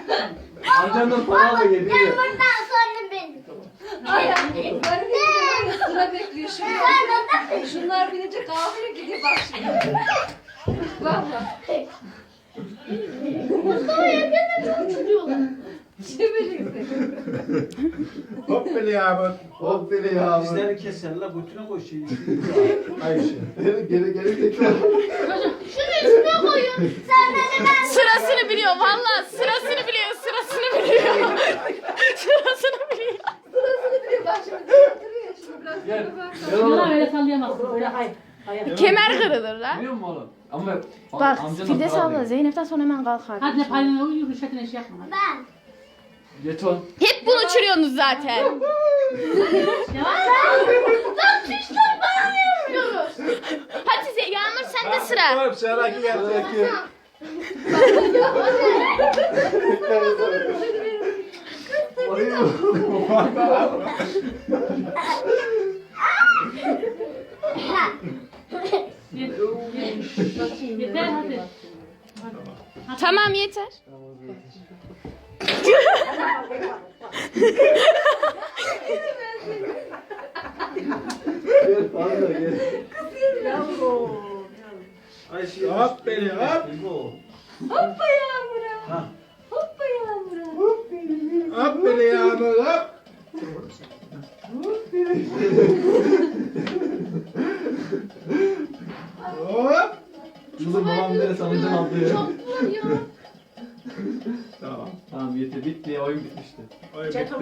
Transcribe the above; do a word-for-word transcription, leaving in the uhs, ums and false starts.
Amcandan para da geliyor. Ben buradan sonra benim. Ay ay. Böyle sıra bekliyor şunlar. Şunlar binince kahveye gidiyor bak şimdi. Valla. Mustafa yakında çok uçuruyorlar. Çevirin. Hop beni yağmur. Hop beni ya. Dizlerini keserler, götüne koy şeyi. Ayşe. Geri geri geri tekrar. Şunu üstüne koyun. Sen beni ben. Sırasını biliyor valla sırasını biliyor sırasını biliyor. Sırasını biliyor. Sırasını biliyor bak şimdi. Duruyor şimdi biraz. Gel. Bak. Gel Yalan oğlum. öyle sallayamazsın. Öyle hayır. Hayır. Kemer kırılır lan. Biliyor musun oğlum? Ama Bak amcandan Firdevs para abla alıyor. Zeynep'ten sonra hemen kalkar. Hadi ne payına uyuyor, rüşvetine iş yapma. Hadi. Ben. Jeton. Hep bunu uçuruyorsunuz zaten. Yavaş. Lan pişler bana ne yapıyoruz? Hadi Ze- Yağmur sende sıra. Oğlum sıradaki geldi. Sıradaki. Yeter hadi. Tamam yeter. Gel fazla gel. Ayşe hop beni hop. Hoppa yağmura. Hoppa yağmura. Hop beni yağmur hop. Hop. Kızım babam bir tane sanıcın aldı ya. Çok var ya. Tamam. Tamam yeter bitti oyun bitmişti. Oy,